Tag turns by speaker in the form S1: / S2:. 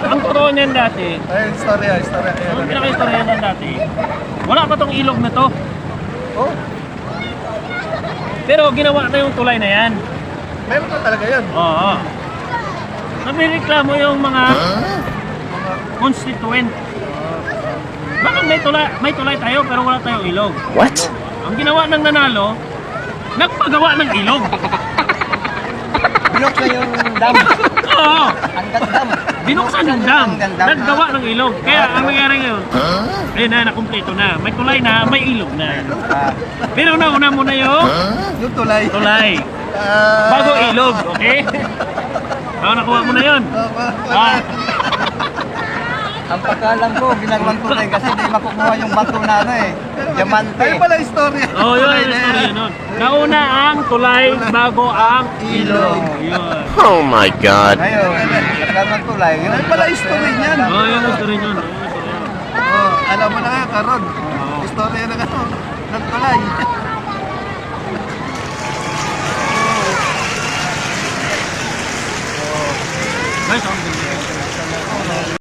S1: ang totoo niyan dati,
S2: Ay, istorya.
S1: ang pinaka-istorya niyan dati, wala pa tong ilog na to.
S2: Oh,
S1: Pero ginawa na yung tulay na yan.
S2: meron na talaga yan.
S1: Oo. Nabireklamo yung mga constituent. Bakit may tulay tayo pero wala tayong ilog?
S3: What?
S1: Ang ginawa ng nanalo, nagpagawa ng ilog.
S4: Binok na yung dam.
S1: Oo.
S4: Hanggang dam.
S1: Binuksan yung dam, naggawa ng ilog. Kaya ang nangyari ngayon, ayun na, nakumpleto na. May tulay na, may ilog na. Pero nauna muna yung
S2: Yung tulay.
S1: tulay. Bago ilog, okay? Oo, nakuha mo na yun. Ah,
S4: Ang pagkalam ko, ginagawang tulay kasi di makukuha yung bato na ano eh. Diamante.
S2: Ay pala istorya.
S1: oh, yun yung story nun. Nauna ang tulay bago ang ilog. Yun.
S3: Oh my God.
S4: Ngayon, nagkaroon ng tulay. Yun
S2: Ay pala istorya niyan.
S1: Oh, yun yung story nun.
S2: Oh, alam mo na nga, Karon. Istorya na ano, ng tulay.
S1: Guys, ang ganda.